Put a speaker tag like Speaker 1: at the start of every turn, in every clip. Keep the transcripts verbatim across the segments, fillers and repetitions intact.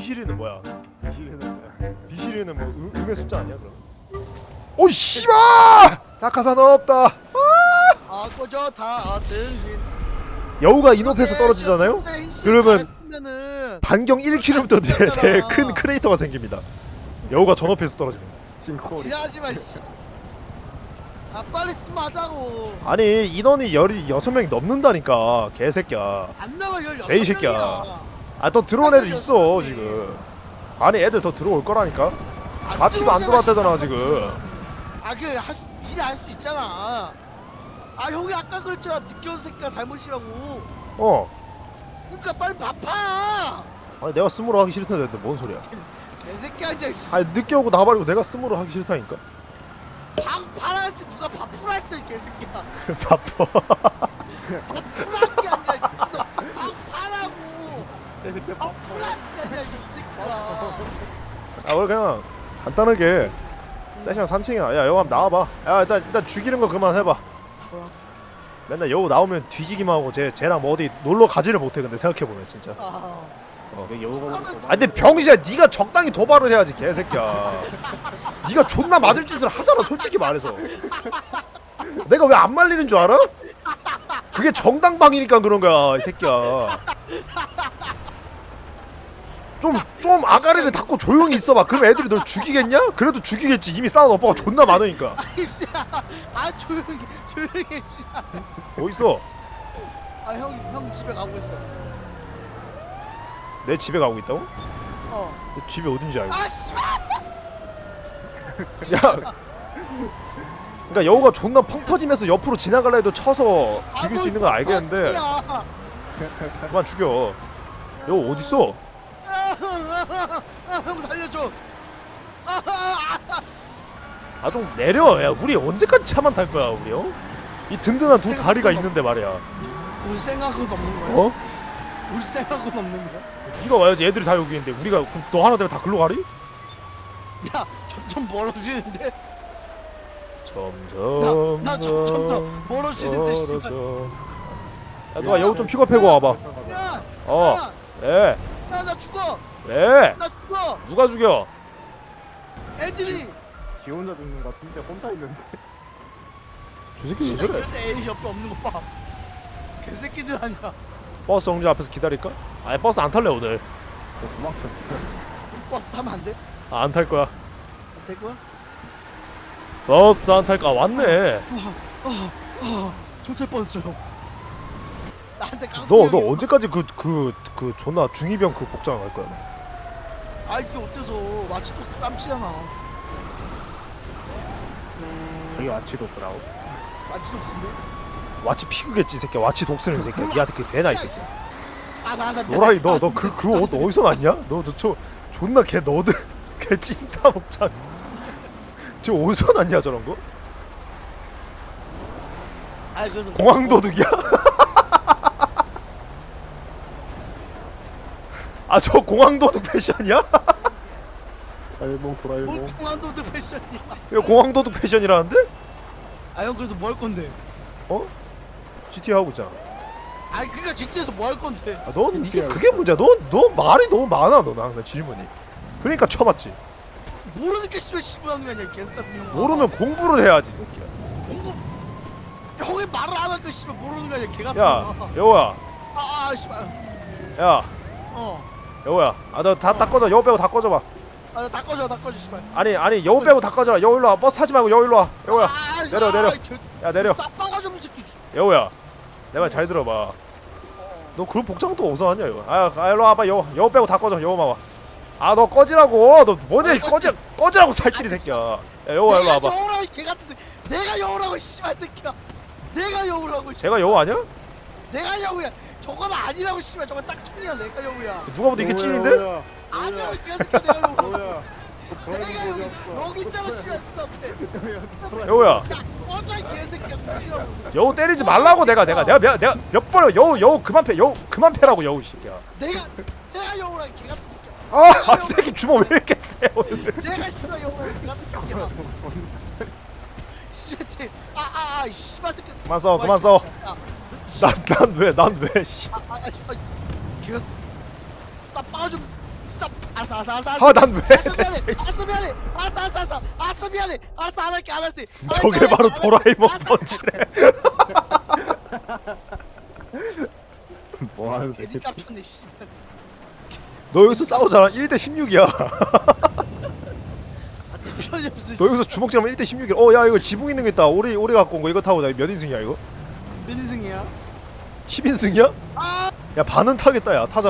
Speaker 1: 비실이는 뭐야?
Speaker 2: 비실이는 뭐야?
Speaker 1: 비실이는 뭐 음, 음의 숫자 아니야 그럼? 오 씨발! 낙하산 없다.
Speaker 3: 아 꺼져 다 등신.
Speaker 1: 여우가 인업해서 떨어지잖아요? 그러면
Speaker 3: 는
Speaker 1: 반경 일 킬로미터 내에 큰 크레이터가 생깁니다. 여우가 전업해서 떨어집니다.
Speaker 2: 싱크홀이.
Speaker 3: 지하지마 씨. 아 빨리 스마자고.
Speaker 1: 아니 인원이 열여섯 명이 넘는다니까 개새끼야.
Speaker 3: 안 나와 열여섯
Speaker 1: 에이, 새끼야.
Speaker 3: 명이야.
Speaker 1: 아 더 들어온 애들 있어 지금. 아니 애들 더 들어올 거라니까. 바퀴도 안 들어왔다잖아 지금.
Speaker 3: 아그 미리 할 수 있잖아. 아 형이 아까 그랬잖아. 늦게 온 새끼가 잘못이라고.
Speaker 1: 어.
Speaker 3: 그러니까 빨리 밥파.
Speaker 1: 아니 내가 스무로 하기 싫다는데 뭔 소리야?
Speaker 3: 개새끼야 이제.
Speaker 1: 아니 늦게 오고 나발이고 내가 스무로 하기 싫다니까.
Speaker 3: 밥 팔아야지 누가 밥 풀어 했어 이 개새끼야.
Speaker 1: 바빠.
Speaker 3: 밥 풀어한 게 아니라 미친놈. 밥 팔라고.
Speaker 2: 새끼
Speaker 3: 밥 풀어한 게 아니라 이 새끼야.
Speaker 1: 아 원래 그냥 간단하게 세션 산책이야. 야 여우 한번 나와봐. 야 일단 일단 죽이는 거 그만 해봐. 맨날 여우 나오면 뒤지기만 하고 쟤 쟤랑 뭐 어디 놀러 가지를 못해. 근데 생각해 보면 진짜.
Speaker 3: 아,
Speaker 1: 어.
Speaker 2: 왜 여우가
Speaker 1: 아 근데 병신아 네가 적당히 도발을 해야지 개새끼야. 네가 존나 맞을 짓을 하잖아 솔직히 말해서. 내가 왜 안 말리는 줄 알아? 그게 정당방위니까 그런 거야 이 새끼야. 좀 좀 아가리를 닫고 조용히 있어봐. 그럼 애들이 널 죽이겠냐? 그래도 죽이겠지. 이미 싸운 오빠가 존나 많으니까.
Speaker 3: 아이씨, 아 조용히 조용히 해, 씨.
Speaker 1: 어딨어?
Speaker 3: 아형 형 집에 가고 있어.
Speaker 1: 내 집에 가고 있다고?
Speaker 3: 어.
Speaker 1: 내 집이 어딘지 알고.
Speaker 3: 아 씨발.
Speaker 1: 야. 그러니까 여우가 존나 펑 퍼지면서 옆으로 지나갈라 해도 쳐서 죽일 수 있는 건 알겠는데
Speaker 3: 아,
Speaker 1: 그만 죽여. 여우 어딨어?
Speaker 3: 형 살려줘. 아, 아, 아.
Speaker 1: 아 좀 내려. 야 우리 언제까지 차만 탈 거야 우리 어? 이 든든한 두 다리가 있는데 말이야.
Speaker 3: 우리 생각은 없는 거야?
Speaker 1: 어?
Speaker 3: 우리 생각은 없는 거야?
Speaker 1: 네가 와야지. 애들이 다 여기 있는데 우리가 그럼 너 하나 되면 다 글로 가리?
Speaker 3: 야 점점 멀어지는데.
Speaker 1: 점점
Speaker 3: 나, 나 점점 더 멀어지는데 씨발.
Speaker 1: 멀어져. 야 너가 여우 좀 픽업해고 와봐.
Speaker 3: 야,
Speaker 1: 어.
Speaker 3: 야,
Speaker 1: 왜?
Speaker 3: 야, 나 죽어.
Speaker 1: 왜?
Speaker 3: 나 죽어.
Speaker 1: 누가 죽여?
Speaker 3: 애들이.
Speaker 2: 지 혼자 죽는 거 진짜 혼자 있는데.
Speaker 1: 저 새끼 왜
Speaker 3: 씨발
Speaker 1: 저래?
Speaker 3: 그럴 때 애이 옆에 없는 거 봐. 개새끼들 아니야.
Speaker 1: 버스 정류 앞에서 기다릴까? 아니 버스 안 탈래 오늘.
Speaker 2: 저 도망쳐.
Speaker 3: 버스 타면 안 돼?
Speaker 1: 아, 안 탈 거야.
Speaker 3: 안 될 거야?
Speaker 1: 버스 안 탈까? 왔네.
Speaker 3: 아, 아, 조철 뻔했어요. 나한테 깡.
Speaker 1: 너 너 언제까지 그 그 그 존나 중이병 그 복장 할 거야? 너?
Speaker 3: 아 이게 어때서 마치도 깜치잖아.
Speaker 2: 여기 와치도 브라우.
Speaker 3: 마치도 쓴데?
Speaker 1: 와치 피그겠지 이 새끼야. 와치 독스는 이 새끼야. 니한테 그게 되나 이 새끼야.
Speaker 3: 아나나
Speaker 1: 노라이 너 너 그 그 옷 어디서 났냐? 너저 존나 개 너드 개 찐따 복장. 저 어디서 났냐 저런 거?
Speaker 3: 아 그래서
Speaker 1: 공항도둑이야? 아 저 공항도둑 패션이야?
Speaker 2: 일봉 돌아
Speaker 3: 뭘
Speaker 2: 일봉.
Speaker 3: 통한도드 패션이야.
Speaker 1: 이거 공항도둑 패션이라는데?
Speaker 3: 아 형 그래서 뭐 할 건데?
Speaker 1: 어? 지티 하고 있잖아.
Speaker 3: 아 그니까 지티에서 뭐 할 건데?
Speaker 1: 아, 넌 이게 그게 문제야. 너 너 말이 너무 많아. 너는 항상 질문이. 그러니까 쳐봤지.
Speaker 3: 모르니까 씨발 씨발하는 거 아니야 개새끼 같은 형.
Speaker 1: 모르면 공부를 해야지 이 새끼야.
Speaker 3: 공부. 형이 말을 안 하니까 씨발 모르는 거 아니야 개 같은
Speaker 1: 야
Speaker 3: 거.
Speaker 1: 여우야.
Speaker 3: 아, 아 씨발.
Speaker 1: 야
Speaker 3: 어.
Speaker 1: 여우야. 아 너 다 다 꺼져. 여우 빼고 다 꺼져봐.
Speaker 3: 아다 꺼져 다 꺼져 씨발.
Speaker 1: 아니 아니 여우 빼고 다 꺼져라. 여우 일로 와. 버스 타지 말고 여우 일로 와. 여우야.
Speaker 3: 아,
Speaker 1: 내려, 내려. 야 내려.
Speaker 3: 따빠가 좀 새끼.
Speaker 1: 여우야. 내 말 잘 들어봐. 너 그런 복장 또 어디서 왔냐 이거. 아, 아 일로 와봐. 여우 여우 빼고 다 꺼져. 여우만 와. 아 너 꺼지라고. 너 뭐냐 이 꺼지 꺼지라고 살찌리 새끼야. 야 여우야 일로 와봐.
Speaker 3: 내가 여우라고 이 개 같은 새끼. 내가 여우라고 이 씨발 새끼야. 내가 여우라고. 씨.
Speaker 1: 제가 여우 아니야?
Speaker 3: 내가 여우야. 저건 아니라고 씨발. 저건 짝퉁이야. 내가 여우야.
Speaker 1: 누가 봐도 이게 찐인데?
Speaker 3: 아니야 이 개새끼 내가 여우라고.
Speaker 2: 뭐야?
Speaker 3: 내가 여우. 여기 있잖아 씨발 눈앞에.
Speaker 1: 여우야.
Speaker 3: 야 꺼져 이 개새끼야. 꺼지라고.
Speaker 1: 여우 때리지 말라고 내가 내가 내가 내가, 내가 몇 번을 여우 여우 그만 패 여우 그만 패라고 여우 새끼야.
Speaker 3: 내가 내가 여우라 개 같은 새끼야.
Speaker 1: 아, 아 새끼 주먹 왜 이렇게 세 오늘.
Speaker 3: 내가 씨발 여우라 개 같은 새끼야. 씨발 아아아 씨발 새끼.
Speaker 1: 그만 써 그만 써.
Speaker 3: 야,
Speaker 1: 난 난 왜 난 왜 씨.
Speaker 3: 아, 아, 씨발. 걔가 나 빠져. 쌉. 알았어 알았어 알았어. 알았어.
Speaker 1: 아 난 왜?
Speaker 3: 알았어 미안해. 알았어 미안해. 알았어 알았어 알았어. 알았어 미안해. 알았어 안 할게 안 할게. 안 할게,
Speaker 1: 저게
Speaker 3: 안 할게,
Speaker 1: 바로
Speaker 3: 안 할게.
Speaker 1: 도라에몽
Speaker 3: 알았어.
Speaker 1: 펀치래.
Speaker 2: 뭐 하는
Speaker 3: 괜히
Speaker 2: 새끼.
Speaker 3: 깜짝네 씨발.
Speaker 1: 너 여기서 싸우잖아. 일 대 십육이야.
Speaker 3: 아 대표님 무슨.
Speaker 1: 너 여기서 주먹질하면 일 대 십육이야. 어 야 이거 지붕 있는 거 있다. 오리 오리 갖고 온 거 이거 타고 나 몇 인승이야 이거?
Speaker 3: 몇 인승이야?
Speaker 1: 십 인승이야?
Speaker 3: 아.
Speaker 1: 야 반은 타겠다 야 타자.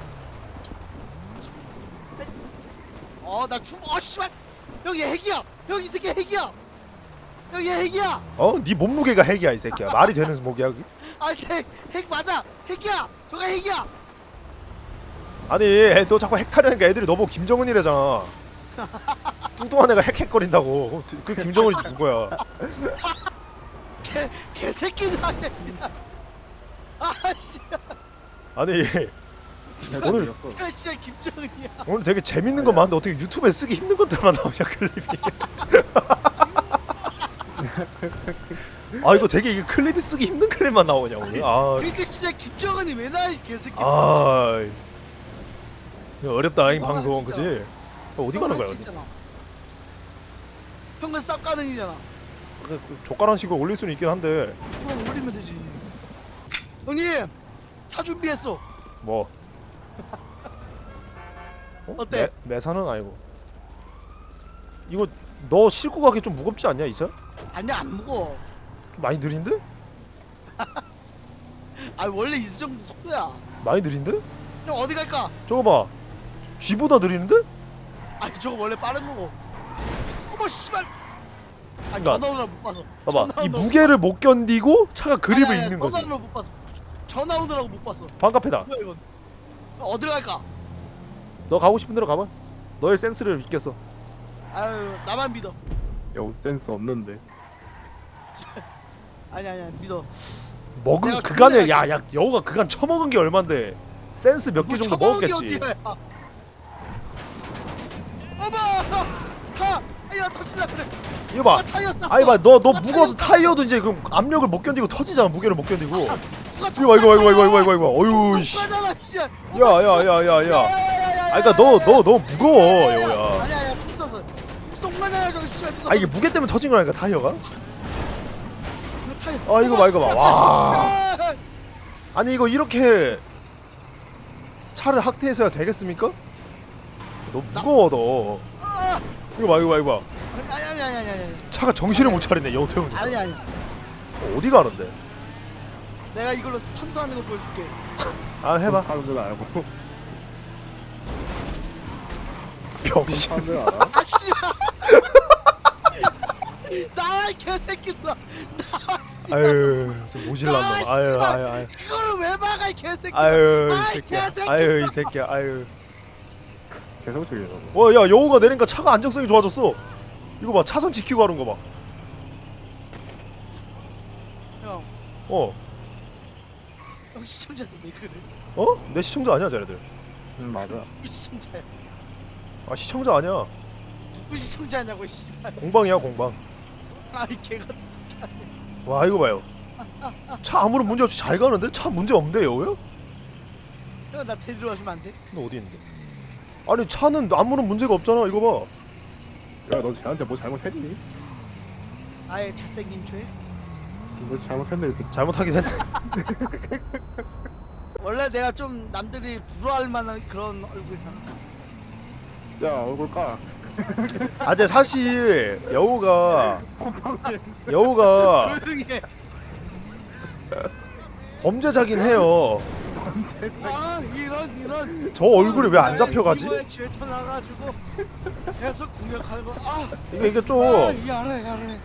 Speaker 3: 어나 죽어. 어 씨발. 여기 핵이야. 여기 이 새끼 핵이야. 여기 핵이야.
Speaker 1: 어? 네 몸무게가 핵이야 이 새끼야. 말이 되는 목이야 그게?
Speaker 3: 아핵 핵 맞아. 핵이야. 저가 핵이야.
Speaker 1: 아니 애, 너 자꾸 핵 타려니까 애들이 너보고 김정은이래잖아. 뚱뚱한 애가 핵핵거린다고. 그 김정은이 누구야?
Speaker 3: 개 개새끼들 아니야 씨발. 아씨.
Speaker 1: 아니 오늘
Speaker 3: 야 씨발 김정은이야.
Speaker 1: 오늘 되게 재밌는 거 많은데 어떻게 유튜브에 쓰기 힘든 것들만 나오냐 클립이. 아 이거 되게 이게 클립이 쓰기 힘든 클립만 나오냐 오늘. 아,
Speaker 3: 그러니까 씨발 김정은이 왜 나이 개새끼.
Speaker 1: 아 이거 어렵다 이
Speaker 3: 아,
Speaker 1: 방송
Speaker 3: 진짜.
Speaker 1: 그지? 어디 가는 거야 어디?
Speaker 3: 형은 쌉 가능이잖아.
Speaker 1: 그, 그 젓가락 식으로 올릴 수는 있긴 한데
Speaker 3: 그럼 올리면 되지. 형님 차 준비했어.
Speaker 1: 뭐 어?
Speaker 3: 어때?
Speaker 1: 매, 매사는 아니고 이거 너 싣고 가기 좀 무겁지 않냐 이 차?
Speaker 3: 아니야 안 무거워.
Speaker 1: 좀 많이 느린데?
Speaker 3: 아 원래 이 정도 속도야.
Speaker 1: 많이 느린데?
Speaker 3: 형 어디 갈까?
Speaker 1: 저거 봐 G보다 느리는데?
Speaker 3: 아니 저거 원래 빠른 거고. 어머 씨발. 아
Speaker 1: 그러니까,
Speaker 3: 전화 오느라 못 봐서.
Speaker 1: 봐봐
Speaker 3: 전화
Speaker 1: 이
Speaker 3: 오느라
Speaker 1: 무게를 못 견디고 차가 그립을
Speaker 3: 아니, 아니,
Speaker 1: 잃는
Speaker 3: 전화
Speaker 1: 거지.
Speaker 3: 오느라 못 봤어. 전화 오느라고 못 봤어.
Speaker 1: 반카페다.
Speaker 3: 뭐야 이건? 어디로 갈까?
Speaker 1: 너 가고 싶은 대로 가봐. 너의 센스를 믿겠어.
Speaker 3: 아유 나만 믿어.
Speaker 2: 야 센스 없는데.
Speaker 3: 아니 아니 아니 믿어.
Speaker 1: 먹은
Speaker 3: 내가
Speaker 1: 그간에
Speaker 3: 존나
Speaker 1: 야야 여우가 그간 처먹은 게 얼만데 센스 몇 개
Speaker 3: 뭐
Speaker 1: 정도
Speaker 3: 처먹은 게
Speaker 1: 먹었겠지.
Speaker 3: 어디야. 어머 타. 아야 터질라 그래.
Speaker 1: 이거 봐.
Speaker 3: 아, 타이어 쌌어.
Speaker 1: 아니 봐너 너
Speaker 3: 아,
Speaker 1: 무거워서
Speaker 3: 타이어
Speaker 1: 타이어도 이제 그 압력을 못 견디고 터지잖아. 무게를 못 견디고.
Speaker 3: 누가
Speaker 1: 이거 봐 이거 봐 이거 봐 이거 봐 이거 봐. 어유 씨.
Speaker 3: 잖아 씨야.
Speaker 1: 야야야야야. 아 그러니까 너 너 너무 무거워 여우야.
Speaker 3: 아니 아니 푹 썼어. 쏙 맞아요 저거 씨발.
Speaker 1: 아 이게 무게 때문에 터진 거라니까 타이어가.
Speaker 3: 타이어.
Speaker 1: 아 이거 봐 이거 봐. 와.
Speaker 3: 아,
Speaker 1: 아니 이거 이렇게 차를 학대해서야 되겠습니까? 너 무거워 너.
Speaker 3: 아,
Speaker 1: 이거 봐 이거 봐 이거 봐.
Speaker 3: 아니 아니 아니 아니 아니
Speaker 1: 차가 정신을 못 차리네 여우 태우는.
Speaker 3: 아니 아니.
Speaker 1: 어디 가는데?
Speaker 3: 내가 이걸로 스턴트하는 거 보여줄게.
Speaker 1: 아 해봐.
Speaker 2: 하는 줄 알고.
Speaker 1: 병신.
Speaker 2: 하는 줄 알아?
Speaker 3: 아 씨발. 나와 이 개새끼들아.
Speaker 1: 아유 좀 모질란
Speaker 3: 아,
Speaker 1: 놈. 아유
Speaker 3: 씨발.
Speaker 1: 아유 아유.
Speaker 3: 이거를 왜 막아 이 개새끼.
Speaker 1: 아유
Speaker 3: 아,
Speaker 1: 이 새끼야.
Speaker 3: 개새끼.
Speaker 1: 아유 이 새끼야. 아유.
Speaker 2: 계속 죽여 저거.
Speaker 1: 와 야 여우가 내리니까 차가 안정성이 좋아졌어. 이거 봐 차선 지키고 가는 거 봐.
Speaker 3: 형,
Speaker 1: 어.
Speaker 3: 형 시청자들 왜 그래?
Speaker 1: 어? 내 시청자 아니야 쟤네들.
Speaker 2: 응 맞아.
Speaker 3: 누구 시청자야?
Speaker 1: 아 시청자 아니야.
Speaker 3: 누구 시청자냐고 씨발.
Speaker 1: 공방이야 공방.
Speaker 3: 아이 개가.
Speaker 1: 와 이거 봐요. 차 아무런 문제 없이 잘 가는데? 차 문제 없는데 여우야?
Speaker 3: 형나 데리러 가주면 안 돼?
Speaker 1: 너 어디 있는데? 아니 차는 아무런 문제가 없잖아 이거 봐.
Speaker 2: 야너 쟤한테 뭐 잘못했니?
Speaker 3: 아예 잘생긴 죄?
Speaker 2: 너 잘못했네 이 새끼.
Speaker 1: 잘못하긴 했네.
Speaker 3: 원래 내가 좀 남들이 부러워할 만한 그런 얼굴이잖아.
Speaker 2: 야 얼굴 까.
Speaker 1: 아 근데 사실 여우가 여우가
Speaker 3: 조용히 해.
Speaker 1: 범죄자긴 해요.
Speaker 3: 아 이런 이런.
Speaker 1: 저 얼굴이 왜 안 잡혀가지?
Speaker 3: 이거에 쥐터 나가지고 계속 공격하는 거. 아,
Speaker 1: 이게 이게
Speaker 3: 아
Speaker 1: 좀
Speaker 3: 야래 야래.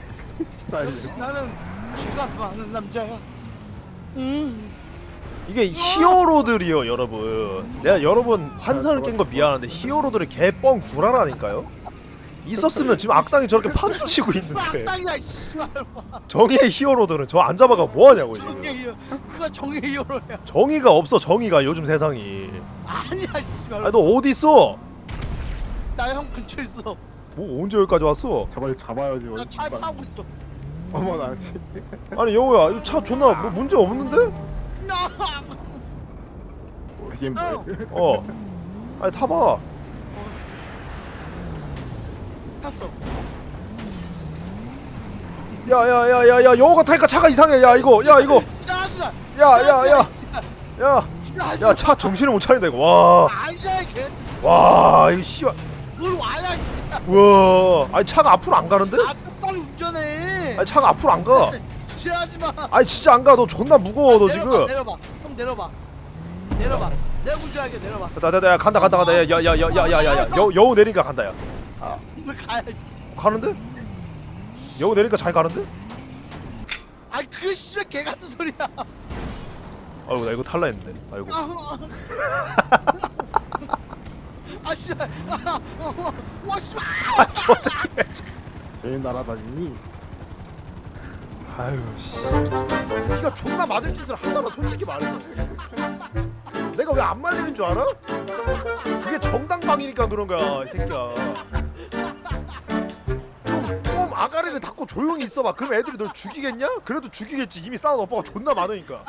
Speaker 3: 나는 쥐가 많은 남자야. 음.
Speaker 1: 이게 히어로들이요 여러분. 내가 여러분 환상을 깬 거 미안한데 히어로들이 개뻥 구라라니까요. 있었으면 지금 악당이 저렇게 판을 치고 있는데
Speaker 3: 땅이야 씨발.
Speaker 1: 정의의 히어로들은 저 안 잡아가 뭐하냐고
Speaker 3: 정의
Speaker 1: 지금.
Speaker 3: 히어. 누가 정의 히어로야?
Speaker 1: 정의가 없어 정의가 요즘 세상이.
Speaker 3: 아니야 씨발.
Speaker 1: 아니 너 어디 있어?
Speaker 3: 나 형 근처에 있어.
Speaker 1: 뭐 언제 여기까지 왔어?
Speaker 2: 저걸 잡아야지.
Speaker 3: 나 차에 타고 있어.
Speaker 2: 어머 나 씨.
Speaker 1: 아니 여우야 이 차 존나 뭐 문제 없는데?
Speaker 3: 나.
Speaker 2: 얘 뭐야?
Speaker 1: 어 아니 타봐.
Speaker 3: 탔어.
Speaker 1: 야야야야야 여우가 타니까 차가 이상해. 야 이거 야 이거
Speaker 3: 야 하지마.
Speaker 1: 야야야야야 야 차 정신을 못 차린다 이거. 와
Speaker 3: 아니야 걔.
Speaker 1: 와 이거 씨발.
Speaker 3: 뭘 와야 진짜.
Speaker 1: 우와 아니 차가 앞으로 안 가는데?
Speaker 3: 아 똑바로 운전해.
Speaker 1: 아니 차가 앞으로 안 가.
Speaker 3: 지하지 마.
Speaker 1: 아니 진짜 안 가. 너 존나 무거워 너
Speaker 3: 내려봐,
Speaker 1: 지금.
Speaker 3: 내려봐. 형 내려봐. 내려봐. 내가 운전할게 내려봐.
Speaker 1: 됐다 됐다 야 간다 간다 간다. 야야야야야야야 여 여우 내리니까 간다 야.
Speaker 3: 뭘 가야지.
Speaker 1: 가는데? 여우 내리니까 잘 가는데?
Speaker 3: 아 그게 씨발 개 같은 소리야.
Speaker 1: 아이고 나 이거 탈라 했는데. 아이고.
Speaker 3: 아 씨발. 와 씨발.
Speaker 1: 아저 새끼.
Speaker 2: 제일 날아다니니.
Speaker 1: 아유 씨. 네가 존나 맞을 짓을 하잖아 솔직히 말해서. 내가 왜 안 말리는 줄 알아? 그게 정당방이니까 그런 거야 이 새끼야. 좀, 좀 아가리를 닫고 조용히 있어봐. 그럼 애들이 널 죽이겠냐? 그래도 죽이겠지. 이미 싸운 오빠가 존나 많으니까.